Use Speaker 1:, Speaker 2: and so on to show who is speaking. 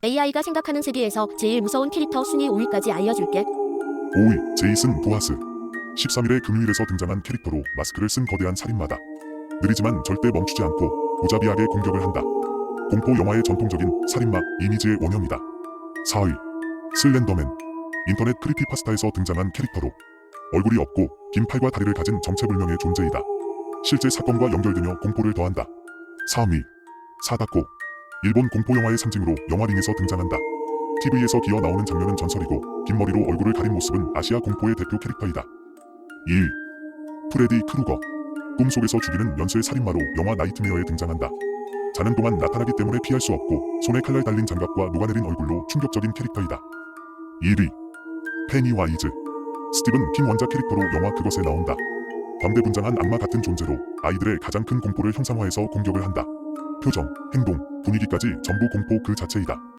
Speaker 1: AI가 생각하는 세계에서 제일 무서운 캐릭터 순위 5위까지 알려줄게.
Speaker 2: 5위 제이슨 보아스. 13일의 금요일에서 등장한 캐릭터로 마스크를 쓴 거대한 살인마다. 느리지만 절대 멈추지 않고 무자비하게 공격을 한다. 공포 영화의 전통적인 살인마 이미지의 원형이다. 4위 슬렌더맨. 인터넷 크리피파스타에서 등장한 캐릭터로 얼굴이 없고 긴 팔과 다리를 가진 정체불명의 존재이다. 실제 사건과 연결되며 공포를 더한다. 3위 사다코. 일본 공포 영화의 상징으로 영화링에서 등장한다. TV에서 기어 나오는 장면은 전설이고 긴 머리로 얼굴을 가린 모습은 아시아 공포의 대표 캐릭터이다. 2위 프레디 크루거. 꿈속에서 죽이는 연쇄 살인마로 영화 나이트메어에 등장한다. 자는 동안 나타나기 때문에 피할 수 없고 손에 칼날 달린 장갑과 녹아내린 얼굴로 충격적인 캐릭터이다. 1위 페니와이즈. 스티븐 킹 원작 캐릭터로 영화 그것에 나온다. 광대분장한 악마 같은 존재로 아이들의 가장 큰 공포를 형상화해서 공격을 한다. 표정, 행동, 분위기까지 전부 공포 그 자체이다.